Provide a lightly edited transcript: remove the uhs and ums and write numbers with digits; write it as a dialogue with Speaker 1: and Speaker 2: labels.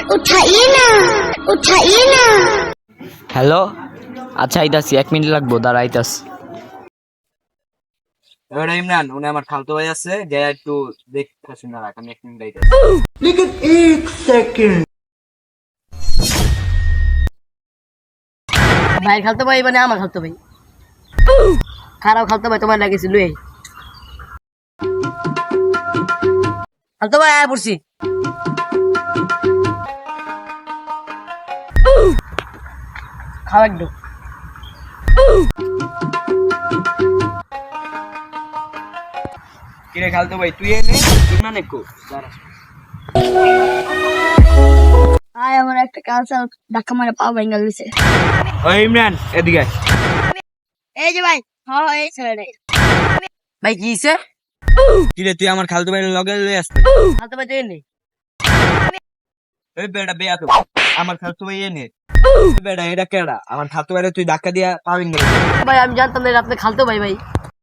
Speaker 1: उठाइए ना उठाइए ना।
Speaker 2: হ্যালো, আচ্ছা আইতাছি, 1 মিনিট লাগবো, দাঁড়া আইতাছি।
Speaker 3: এবার ইমরান উনি আমার খালতো ভাই আছে, যে একটু দেখতে শুনে রাখ, আমি 1 মিনিট আইতাছি।
Speaker 4: ভাই খালতো ভাই মানে আমার খালতো ভাই, খারাপ খালতো ভাই তোমার লাগেছিল এই খালতো ভাই আয়া পড়ছি। খাওয়া একটু
Speaker 3: কিরে খালতো ভাই তুই এনে ইমরান একটু দাঁড়া।
Speaker 1: আয় আমার একটা কাজ ধাক্কা মারে পা ভেঙে গেছে।
Speaker 3: ওই ইমরান এদিকে আয়।
Speaker 1: এই যে ভাই, হ্যাঁ এই ছেড়ে
Speaker 4: ভাই কি হইছে?
Speaker 3: কিরে তুই আমার খালতো ভাইয়ের লগে লয়ে আসতে?
Speaker 4: খালতো ভাই তুই নেই
Speaker 3: ওই বেটা বেয়া তো আমার খালতো ভাই এনে বেটা এটা কেডা? আমার খালতো ভাইরে তুই ধাক্কা দিয়া পাবিন গেলি।
Speaker 4: ভাই, আমি জানতাম না এটা আপনি খালতো ভাই ভাই।